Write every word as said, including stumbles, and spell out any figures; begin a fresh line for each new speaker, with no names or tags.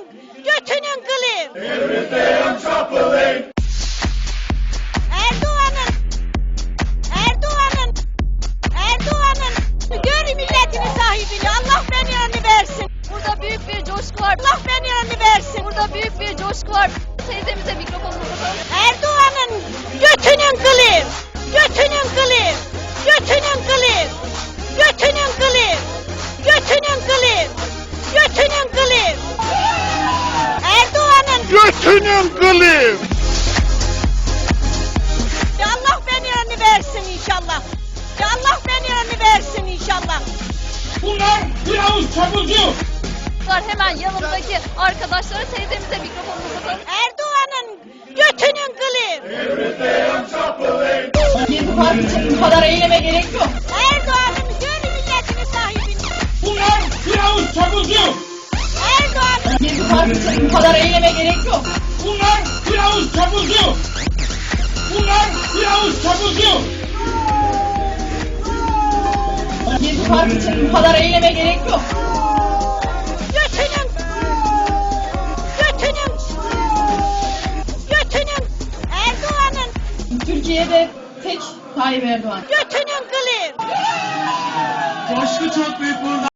götünün kılı.
Everything chopping.
Erdoğan'ın, Erdoğan'ın, Erdoğan'ın gör milletini sahibini. Allah beni önünü versin.
Burada büyük bir coşku var.
Allah beni önünü versin.
Burada büyük bir coşku var. Teyzemize mikrofonu uzatalım.
Erdoğan'ın götünün kılı. Götünün kılı. Götünün kılı. Götünün kılı. Götünün kılı. Götünün kılı. Erdoğan'ın
Götünün kılı.
Ya Allah beni önünü versin inşallah. Ya Allah beni önünü versin inşallah.
Bunlar bir avuç çapulcu.
Var hemen yanımdaki arkadaşlara teyzemize mikrofonu uzatalım.
Erdoğan'ın götünün kılı.
Everything chopping.
Gezi Partisi bu kadar eyleme gerek yok.
Erdoğan'ın gör milletini sahibini.
Bunlar bir avuç çapulcu.
Erdoğan'ın
Gezi Partisi bu kadar eyleme gerek yok.
Bunlar bir avuç çapulcu. Bunlar bir avuç çapulcu.
Gezi Partisi bu kadar eyleme gerek yok.
götünün götünün götünün Erdoğan'ın
Türkiye'de tek Tayyip Erdoğan.
götünün kılı.
Coşku çok büyük burada.